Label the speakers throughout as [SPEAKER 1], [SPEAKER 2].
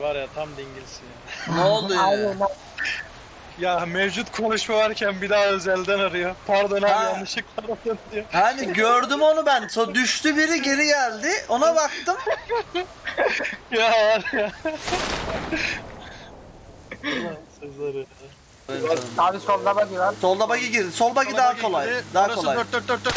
[SPEAKER 1] Var ya tam dingilsin ya.
[SPEAKER 2] Ne oldu ya?
[SPEAKER 1] Ya mevcut konuşma varken bir daha özelden arıyor. Pardon abi
[SPEAKER 2] Ha.
[SPEAKER 1] yanlışlıkla aradım diyor.
[SPEAKER 2] Hani gördüm onu ben. Düştü biri geri geldi. Ona baktım.
[SPEAKER 1] Ya var ya. Ulan Sezar ya.
[SPEAKER 3] Abi solda bagi var.
[SPEAKER 2] Solda bagi girdi. Sol bagi daha kolay. Daha
[SPEAKER 1] Orası
[SPEAKER 2] kolay.
[SPEAKER 1] 4.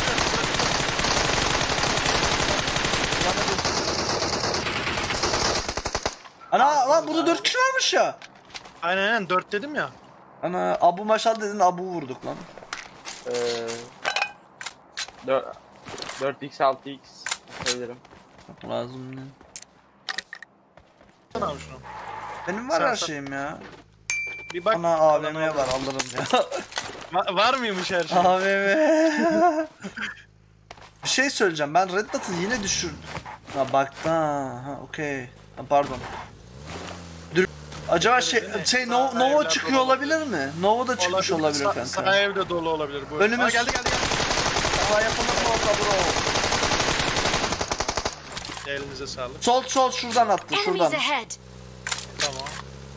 [SPEAKER 2] Ana lan burada 4 kişi varmış ya.
[SPEAKER 1] Aynen 4 dedim ya.
[SPEAKER 2] Ana Abu Maşal dedin, Abu vurduk lan.
[SPEAKER 4] 4x 6x söylerim.
[SPEAKER 2] Lazım ne?
[SPEAKER 1] Sana abi şunu.
[SPEAKER 2] Benim var
[SPEAKER 1] Sen-
[SPEAKER 2] her
[SPEAKER 1] sen-
[SPEAKER 2] şeyim ya.
[SPEAKER 1] Bir bak.
[SPEAKER 2] Ana AVM'ye var, alırım ya.
[SPEAKER 1] Var mıymış her şey?
[SPEAKER 2] AVM. Bir şey söyleyeceğim. Ben Red Dot'ı yine düşürdüm. Ha baktı ha okey. Ha, pardon. Acaba Nova
[SPEAKER 1] evler
[SPEAKER 2] çıkıyor
[SPEAKER 1] dolu
[SPEAKER 2] olabilir mi? Nova da çıkmış olabilir kanka.
[SPEAKER 1] Sağ evde dolu olabilir bu.
[SPEAKER 2] Önümüz-
[SPEAKER 1] Aa, geldi.
[SPEAKER 2] Hava yapılır mı orada bro?
[SPEAKER 1] Elinize sağlık.
[SPEAKER 2] Sol şuradan attı, şuradan.
[SPEAKER 5] Enemies ahead!
[SPEAKER 1] Tamam.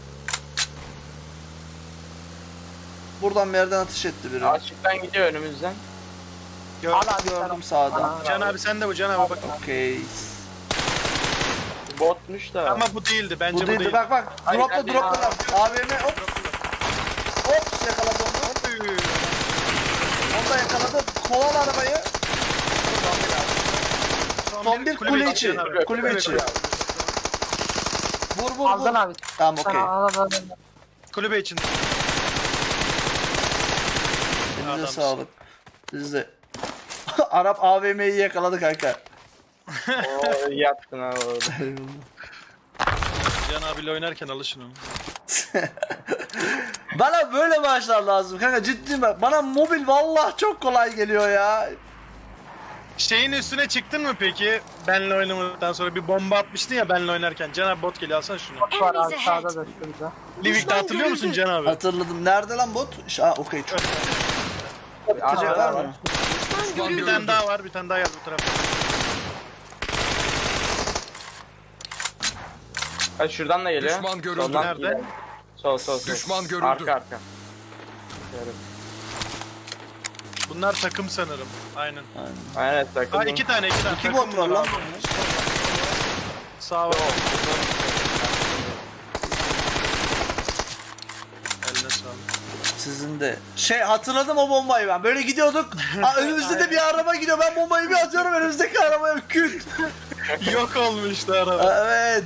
[SPEAKER 2] Buradan bir yerden atış etti biri.
[SPEAKER 4] Açıktan gidiyor önümüzden.
[SPEAKER 1] Gördüm.
[SPEAKER 3] Al abi
[SPEAKER 2] Gördüm
[SPEAKER 3] sen.
[SPEAKER 2] sağdan.
[SPEAKER 1] Can abi sen de bu Can abi bak.
[SPEAKER 2] Okey.
[SPEAKER 4] Botmuş da.
[SPEAKER 1] Ama bu değildi bence
[SPEAKER 2] Bu
[SPEAKER 1] bu
[SPEAKER 2] değildi.
[SPEAKER 1] değil.
[SPEAKER 2] Bak
[SPEAKER 4] Hayır,
[SPEAKER 2] dropla
[SPEAKER 4] geldi.
[SPEAKER 2] dropla. AVM hop. Hop yakaladı onu. Onu da yakaladı. Koval arabayı. Son bir kule içi.
[SPEAKER 1] Can abi.
[SPEAKER 2] Kulübe içi. Vur.
[SPEAKER 3] Aldın abi.
[SPEAKER 2] Tamam okey.
[SPEAKER 3] Al.
[SPEAKER 1] Kulübe içinde.
[SPEAKER 2] Elinize
[SPEAKER 1] Adamsın.
[SPEAKER 2] sağlık. Siz de. Arap AVM'yi yakaladı kanka.
[SPEAKER 4] Oo, iyi yaptın abi orada.
[SPEAKER 1] Can abiyle oynarken alışın onu.
[SPEAKER 2] Bana böyle maçlar lazım kanka, ciddiyim ben. Bana mobil vallahi çok kolay geliyor ya.
[SPEAKER 1] Şeyin üstüne çıktın mı peki? Benle oynamadıktan sonra bir bomba atmıştın ya benle oynarken. Can abi bot geliyor alsana şunu.
[SPEAKER 3] Var
[SPEAKER 5] Enemies
[SPEAKER 3] abi
[SPEAKER 5] ahead!
[SPEAKER 3] sağda da şurada.
[SPEAKER 1] Livik'te hatırlıyor musun Can abi?
[SPEAKER 2] Hatırladım. Nerede lan bot? Okey çok. Atacak var mı?
[SPEAKER 5] Düşman
[SPEAKER 1] Bir
[SPEAKER 5] görüldü!
[SPEAKER 1] tane daha var, bir tane daha geldi bu tarafa.
[SPEAKER 4] Ha şuradan da geliyor.
[SPEAKER 6] Düşman görüldü.
[SPEAKER 4] Soldan
[SPEAKER 1] Nerede?
[SPEAKER 4] geliyor. Sol.
[SPEAKER 6] Düşman görüldü.
[SPEAKER 4] Arka.
[SPEAKER 1] Bunlar takım sanırım. Aynen.
[SPEAKER 4] Aynen takıldım.
[SPEAKER 1] Ha iki tane.
[SPEAKER 2] İki
[SPEAKER 1] takım
[SPEAKER 2] bot var lan.
[SPEAKER 1] abi. Sağ ol. Eline sağlık.
[SPEAKER 2] Sizin de. Hatırladım o bombayı ben. Böyle gidiyorduk. Önümüzde de bir araba gidiyor. Ben bombayı bir atıyorum, önümüzdeki arabaya küt.
[SPEAKER 1] Yok olmuştu araba.
[SPEAKER 2] Evet.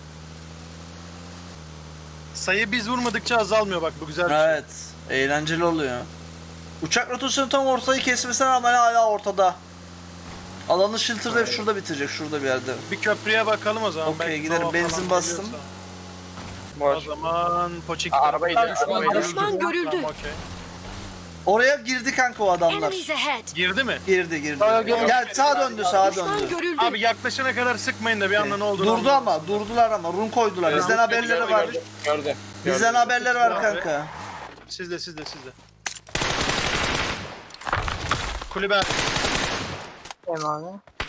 [SPEAKER 1] Sayı biz vurmadıkça azalmıyor bak bu güzel bir şey.
[SPEAKER 2] Evet. Eğlenceli oluyor. Uçak rotasyonu tam ortayı kesmesine rağmen hala ortada. Alanı Shilter'da hep şurada bitirecek. Şurada bir yerde.
[SPEAKER 1] Bir köprüye bakalım o zaman.
[SPEAKER 2] Okey,
[SPEAKER 1] Belki
[SPEAKER 2] giderim.
[SPEAKER 1] Nova
[SPEAKER 2] Benzin
[SPEAKER 1] falan
[SPEAKER 2] bastım.
[SPEAKER 1] geliyorsa. O
[SPEAKER 4] Boş.
[SPEAKER 1] zaman Poçik
[SPEAKER 4] Arabayı da
[SPEAKER 5] Düşman görüldü!
[SPEAKER 1] Tamam, okey.
[SPEAKER 2] Oraya girdi kanka o adamlar.
[SPEAKER 5] Enemies ahead!
[SPEAKER 1] Girdi mi?
[SPEAKER 2] Girdi.
[SPEAKER 3] Gel.
[SPEAKER 2] Gel sağa döndü, sağa
[SPEAKER 5] Düşman
[SPEAKER 2] döndü.
[SPEAKER 5] görüldü!
[SPEAKER 1] Abi yaklaşana kadar sıkmayın da bir anda ne olduğunu
[SPEAKER 2] Durdu
[SPEAKER 1] anlamayız.
[SPEAKER 2] ama, durdular ama. Run koydular. Bizden haberleri var.
[SPEAKER 4] Gördü.
[SPEAKER 2] Bizden haberleri var kanka.
[SPEAKER 1] Sizde. Kulübe
[SPEAKER 3] Hem abi.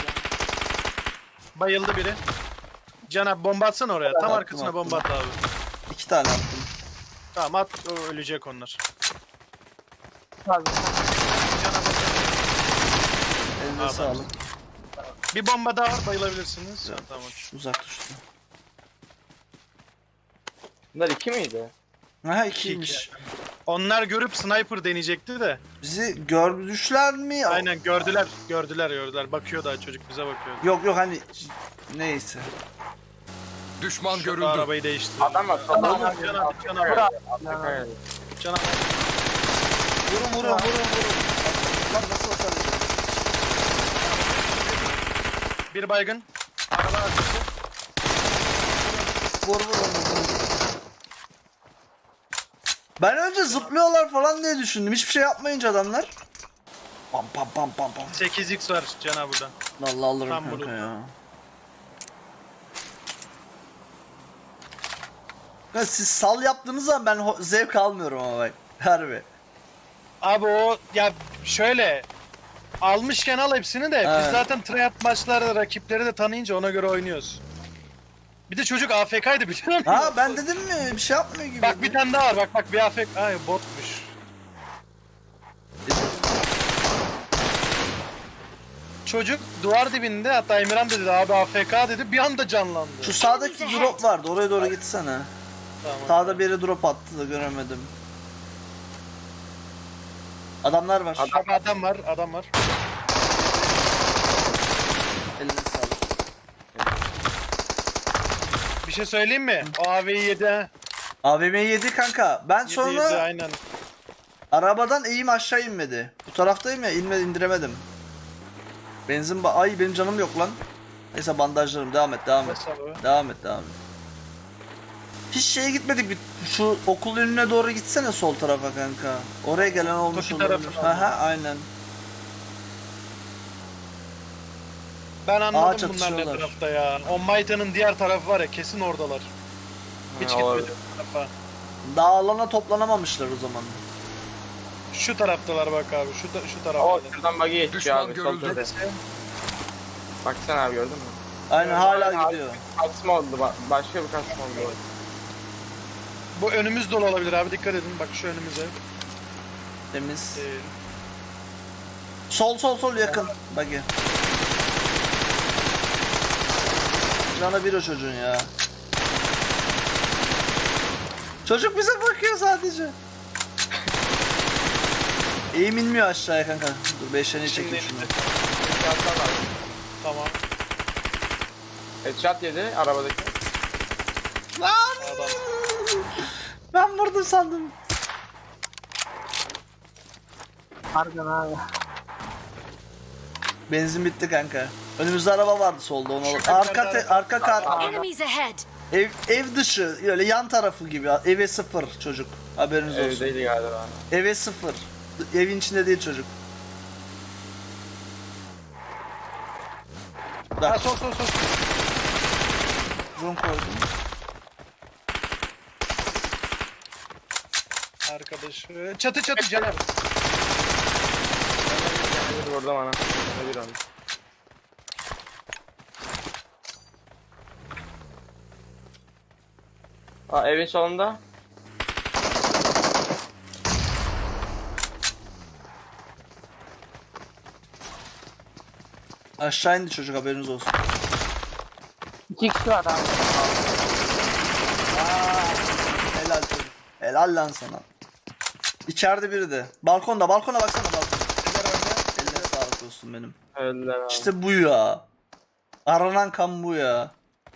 [SPEAKER 1] bayıldı biri. Can abi bomba atsana oraya. Tam
[SPEAKER 2] Attım,
[SPEAKER 1] arkasına
[SPEAKER 2] attım.
[SPEAKER 1] bomba at abi.
[SPEAKER 2] 2 tane attım.
[SPEAKER 1] Tamam at, ölecek onlar.
[SPEAKER 3] Abi.
[SPEAKER 1] Can abi
[SPEAKER 2] Elinize
[SPEAKER 1] Abi.
[SPEAKER 2] sağlık.
[SPEAKER 1] bir bomba daha var bayılabilirsiniz. Ha, tamam.
[SPEAKER 2] Uzak düştü.
[SPEAKER 4] Bunlar 2 miydi?
[SPEAKER 2] Ha 2'ymiş.
[SPEAKER 1] Onlar görüp sniper deneyecekti de.
[SPEAKER 2] Bizi gördüşler mi?
[SPEAKER 1] Aynen gördüler. Bakıyor daha çocuk bize bakıyor.
[SPEAKER 2] Yok hani neyse.
[SPEAKER 6] Düşman
[SPEAKER 1] Şu
[SPEAKER 6] görüldü.
[SPEAKER 1] arabayı değiştirdi.
[SPEAKER 4] Adam var.
[SPEAKER 1] Can
[SPEAKER 4] Soldan
[SPEAKER 1] abi, Can abi. Can abi.
[SPEAKER 2] Vurun. Lan nasıl atarız?
[SPEAKER 1] Bir baygın. Araba arkası.
[SPEAKER 2] Vur onu. Ben önce zıplıyorlar falan diye düşündüm. Hiçbir şey yapmayınca adamlar. Pam.
[SPEAKER 1] 8x var Can abi burada.
[SPEAKER 2] Vallahi alırım
[SPEAKER 1] Tam
[SPEAKER 2] kanka
[SPEAKER 1] bunu.
[SPEAKER 2] ya. Ya siz sal yaptığınız zaman ben zevk almıyorum ama bak. Harbi.
[SPEAKER 1] Abi o ya şöyle almışken al hepsini de
[SPEAKER 2] Evet.
[SPEAKER 1] biz zaten tryhard maçlarda rakipleri de tanıyınca ona göre oynuyoruz. Bir de çocuk AFK'ydı biliyor musun?
[SPEAKER 2] Ha ben dedim mi bir şey yapmıyor gibi.
[SPEAKER 1] Bak bir tane daha var bak bir AFK. Ay botmuş. Çocuk duvar dibinde hatta Emirhan dedi abi AFK dedi bir anda canlandı.
[SPEAKER 2] Şu sağdaki drop vardı oraya doğru gitsene.
[SPEAKER 1] Tamam.
[SPEAKER 2] Sağda biri drop attı da göremedim. Adamlar var.
[SPEAKER 1] Adam var.
[SPEAKER 2] Eline sağlık.
[SPEAKER 1] Bir şey söyleyeyim mi? O AV'yi yedi ha.
[SPEAKER 2] AVM'yi yedi kanka. Ben
[SPEAKER 1] Yedi,
[SPEAKER 2] sonra
[SPEAKER 1] yedi, aynen.
[SPEAKER 2] arabadan eğim aşağı inmedi. Bu taraftayım ya indiremedim. Ay benim canım yok lan. Neyse bandajlarım devam et.
[SPEAKER 1] Nasıl abi?
[SPEAKER 2] Devam et. Hiç şeye gitmedik şu okul önüne doğru gitsene sol tarafa kanka. Oraya gelen olmuş
[SPEAKER 1] Toki
[SPEAKER 2] olabilir.
[SPEAKER 1] tarafına.
[SPEAKER 2] Aha aynen.
[SPEAKER 1] Ben
[SPEAKER 2] Aa,
[SPEAKER 1] anladım bunlar ne
[SPEAKER 2] çatışıyorlar.
[SPEAKER 1] tarafta ya. O Mayta'nın diğer tarafı var ya kesin oradalar. Hiç
[SPEAKER 4] Ha, olabilir.
[SPEAKER 1] gitmedim bu tarafa.
[SPEAKER 2] Daha alana toplanamamışlar o zaman.
[SPEAKER 1] Şu taraftalar bak abi şu
[SPEAKER 4] O
[SPEAKER 1] tarafta.
[SPEAKER 4] şuradan buggy geçiyor
[SPEAKER 5] Düşman
[SPEAKER 4] abi.
[SPEAKER 5] görüldü.
[SPEAKER 4] Sol tepede. Baksana abi gördün mü?
[SPEAKER 2] Aynen hala
[SPEAKER 4] Abi,
[SPEAKER 2] gidiyor.
[SPEAKER 4] Kasma oldu. Başka bir kasma oldu.
[SPEAKER 1] Bu önümüz dolu olabilir abi dikkat edin bak şu önümüze.
[SPEAKER 2] Temiz.
[SPEAKER 1] Ee,
[SPEAKER 2] Sol yakın. Bagi. Canı bir o çocuğun ya. Çocuk bize bakıyor sadece. Eğim inmiyor aşağıya kanka. Dur 5'lerini
[SPEAKER 1] Şimdi
[SPEAKER 2] çekeyim şunu.
[SPEAKER 1] tamam.
[SPEAKER 4] Headshot yedi arabadaki.
[SPEAKER 2] Lan!
[SPEAKER 1] Adam.
[SPEAKER 2] Ben vurdum sandım.
[SPEAKER 3] Pardon abi.
[SPEAKER 2] Benzin bitti kanka. Önümüzde araba vardı solda onu alalım. Arka kar.
[SPEAKER 6] Enemies ahead!
[SPEAKER 2] Ev dışı öyle yan tarafı gibi. Eve sıfır çocuk. Haberiniz olsun.
[SPEAKER 4] Evdeydi galiba.
[SPEAKER 2] Eve sıfır. Evin içinde değil çocuk.
[SPEAKER 1] Ha
[SPEAKER 2] Bak
[SPEAKER 1] sol.
[SPEAKER 2] zoom koydum.
[SPEAKER 1] Arkadaşı. Çatı Caner.
[SPEAKER 4] Bir vurdu bana. Bana bir oldu. Aa evin solunda.
[SPEAKER 2] Aşağı indi çocuk haberiniz olsun.
[SPEAKER 3] 2 kişi var abi.
[SPEAKER 2] Helal çocuk. Helal lan sana. İçeride biri de. Balkonda baksana balkona. Eline sağlık olsun benim.
[SPEAKER 4] Öldüler abi.
[SPEAKER 2] İşte bu ya. Aranan kan bu ya.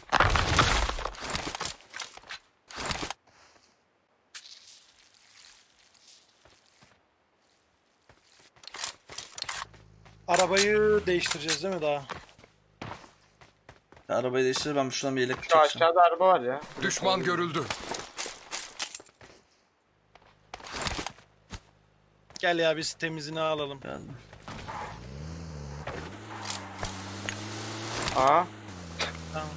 [SPEAKER 1] Arabayı değiştireceğiz değil mi daha?
[SPEAKER 2] Arabayı değiştir ben şuradan bir yelek
[SPEAKER 4] Şu
[SPEAKER 2] çekeceğim.
[SPEAKER 4] aşağıda araba var ya.
[SPEAKER 5] Düşman görüldü.
[SPEAKER 1] Gel ya biz temizini alalım.
[SPEAKER 2] Geldim.
[SPEAKER 4] Aa.
[SPEAKER 1] Tamam.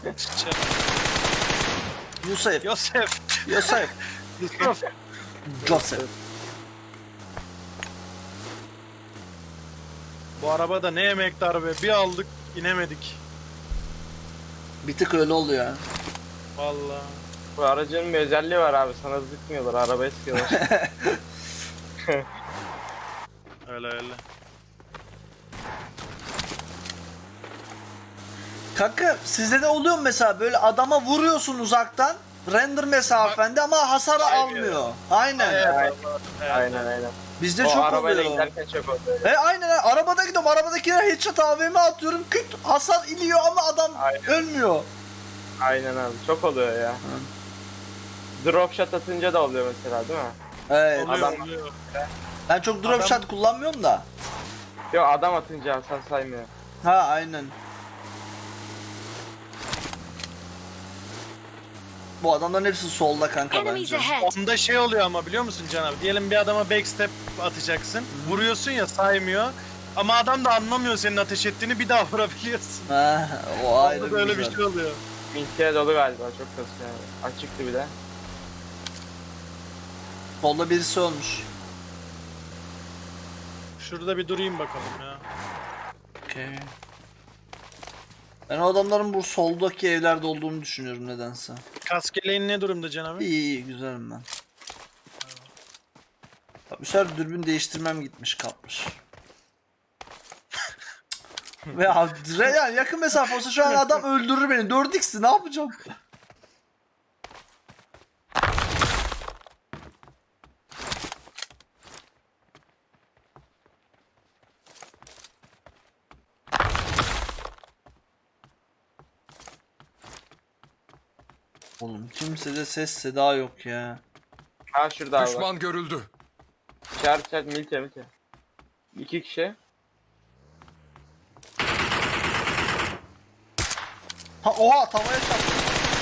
[SPEAKER 2] Yusuf.
[SPEAKER 1] Yosef.
[SPEAKER 2] Yusuf.
[SPEAKER 1] Yusuf.
[SPEAKER 2] Joseph.
[SPEAKER 1] Bu araba da ne yemekti araba. Bir aldık inemedik.
[SPEAKER 2] Bir tık öyle oldu ya.
[SPEAKER 1] Vallahi.
[SPEAKER 4] Bu aracın bir özelliği var abi. Sana sıkmıyorlar. Arabaya sıkıyorlar.
[SPEAKER 1] Öyle.
[SPEAKER 2] Kanka sizde de oluyor mu mesela böyle adama vuruyorsun uzaktan render mesafende ama hasar almıyor. Aynen.
[SPEAKER 1] Evet.
[SPEAKER 4] aynen.
[SPEAKER 2] Bizde
[SPEAKER 4] O
[SPEAKER 2] çok
[SPEAKER 4] arabayla
[SPEAKER 2] oluyor.
[SPEAKER 4] giderken çok oluyor.
[SPEAKER 2] Aynen arabada gidiyorum arabadakine headshot AVM atıyorum küt hasar iniyor ama adam
[SPEAKER 4] Aynen.
[SPEAKER 2] ölmüyor.
[SPEAKER 4] Aynen abi. Çok oluyor ya. Drop shot atınca da oluyor mesela değil mi?
[SPEAKER 2] Evet.
[SPEAKER 1] Oluyor.
[SPEAKER 2] Ben çok drop
[SPEAKER 1] Adam-
[SPEAKER 2] shot kullanmıyorum da.
[SPEAKER 4] Yok adam atınca hasar saymıyor.
[SPEAKER 2] Ha aynen. Bu adamların hepsi solda kanka
[SPEAKER 6] Enemies
[SPEAKER 2] bence.
[SPEAKER 6] ahead!
[SPEAKER 1] Onda şey oluyor ama biliyor musun Can abi? Diyelim bir adama backstep atacaksın. Vuruyorsun ya saymıyor. Ama adam da anlamıyor senin ateş ettiğini bir daha vurabiliyorsun.
[SPEAKER 2] Ha, o ayrı
[SPEAKER 1] Onda da öyle bir
[SPEAKER 2] güzel.
[SPEAKER 1] şey oluyor.
[SPEAKER 4] Mintiye dolu galiba. Çok kasıyor abi. Açıktı bir de.
[SPEAKER 2] Solda birisi olmuş.
[SPEAKER 1] Şurada bir durayım bakalım ya.
[SPEAKER 2] Okay. Ben o adamların bu soldaki evlerde olduğunu düşünüyorum nedense.
[SPEAKER 1] Kaskeleğin ne durumda Can abi?
[SPEAKER 2] İyi iyi güzelim ben. Bak bu sefer dürbün değiştirmem gitmiş kalmış. Ve yani yakın mesafe olsa şu an adam öldürür beni. 4x'ti ne yapacağım? Oğlum kimsede ses seda yok ya.
[SPEAKER 4] Ha şurada abi bak.
[SPEAKER 5] Düşman görüldü.
[SPEAKER 4] İşaret milite. 2 kişi.
[SPEAKER 2] Ha oha tavaya çarptı.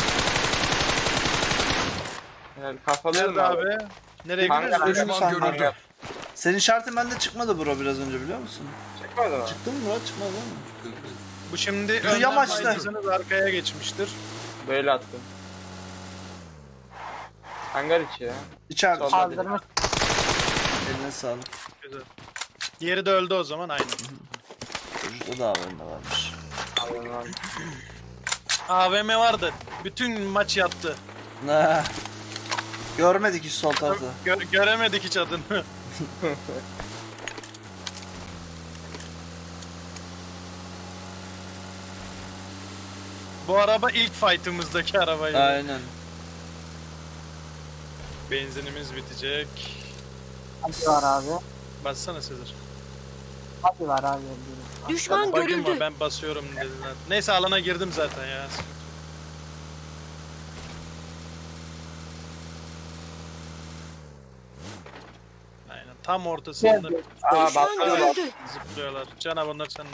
[SPEAKER 4] Yani kafalıyorum
[SPEAKER 1] Nerede
[SPEAKER 4] abi.
[SPEAKER 1] abi? Nereye
[SPEAKER 4] Hangi
[SPEAKER 1] gidiyorsun?
[SPEAKER 2] Ölüm
[SPEAKER 5] Düşman
[SPEAKER 2] sandım.
[SPEAKER 5] görüldü.
[SPEAKER 2] Senin işaretin bende çıkmadı bro biraz önce biliyor musun?
[SPEAKER 4] Çıkmadı mı?
[SPEAKER 2] Çıktı mı Murat? Çıkmadı değil mi?
[SPEAKER 1] Bu şimdi
[SPEAKER 2] Yürü,
[SPEAKER 1] önden
[SPEAKER 2] yamaçla.
[SPEAKER 1] baydıysanız arkaya geçmiştir.
[SPEAKER 4] Böyle attım. Hangar içi ya.
[SPEAKER 2] İçeride.
[SPEAKER 4] Sol.
[SPEAKER 3] Kaldırmış.
[SPEAKER 2] Eline sağlık.
[SPEAKER 1] Güzel. Diğeri de öldü o zaman aynen.
[SPEAKER 2] Çocukta da haberinde varmış.
[SPEAKER 4] Allah'ım abi.
[SPEAKER 1] AVM vardı. Bütün maç yattı.
[SPEAKER 2] Ne? Görmedik hiç sol tarafta.
[SPEAKER 1] Göremedik hiç adını. Bu araba ilk fight'ımızdaki arabaydı.
[SPEAKER 2] Aynen.
[SPEAKER 1] Benzinimiz bitecek.
[SPEAKER 3] Hadi var abi.
[SPEAKER 1] Bassana Sezer.
[SPEAKER 3] Hadi var abi.
[SPEAKER 6] Düşman
[SPEAKER 1] Bakayım
[SPEAKER 6] görüldü.
[SPEAKER 1] mı? Ben basıyorum dediler. Neyse alana girdim zaten ya. Sıkıntı yok. Aynen tam ortasında
[SPEAKER 4] Aa
[SPEAKER 6] Düşman
[SPEAKER 4] baksana bak.
[SPEAKER 6] görüldü.
[SPEAKER 1] zıplıyorlar. Canav onlar seninle.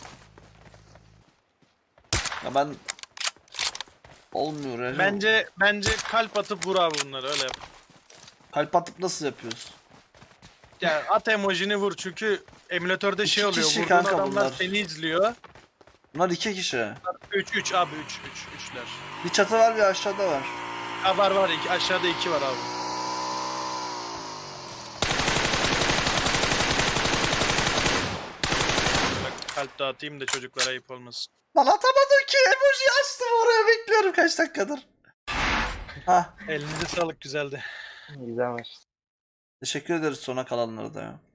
[SPEAKER 2] Ya ben... Olmuyor ya.
[SPEAKER 1] Bence kalp atıp vur abi bunları öyle yap.
[SPEAKER 2] Kalp atıp nasıl yapıyoruz?
[SPEAKER 1] Ya at emojini vur çünkü emülatörde şey
[SPEAKER 2] İki
[SPEAKER 1] oluyor.
[SPEAKER 2] kişi
[SPEAKER 1] Vurduğun
[SPEAKER 2] kanka
[SPEAKER 1] adamlar
[SPEAKER 2] bunlar.
[SPEAKER 1] seni izliyor.
[SPEAKER 2] Bunlar 2 kişi.
[SPEAKER 1] 3 abi 3'ler.
[SPEAKER 2] Bir çatı var bir aşağıda var.
[SPEAKER 1] Ha var aşağıda 2 var abi. Bak kalp dağıtayım da çocuklara ayıp olmasın.
[SPEAKER 2] Lan atamadım ki emoji açtım oraya bekliyorum kaç dakikadır. Hah.
[SPEAKER 1] Elinize sağlık güzeldi.
[SPEAKER 4] Güzel maç.
[SPEAKER 2] Teşekkür ederiz sona kalanlara da ya.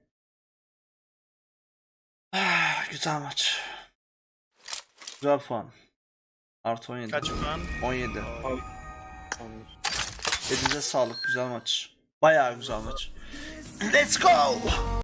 [SPEAKER 2] Ah, güzel maç. Güzel puan. Artı 17.
[SPEAKER 1] Kaç puan?
[SPEAKER 2] 17. Elinize sağlık güzel maç. Bayağı güzel maç. Let's go!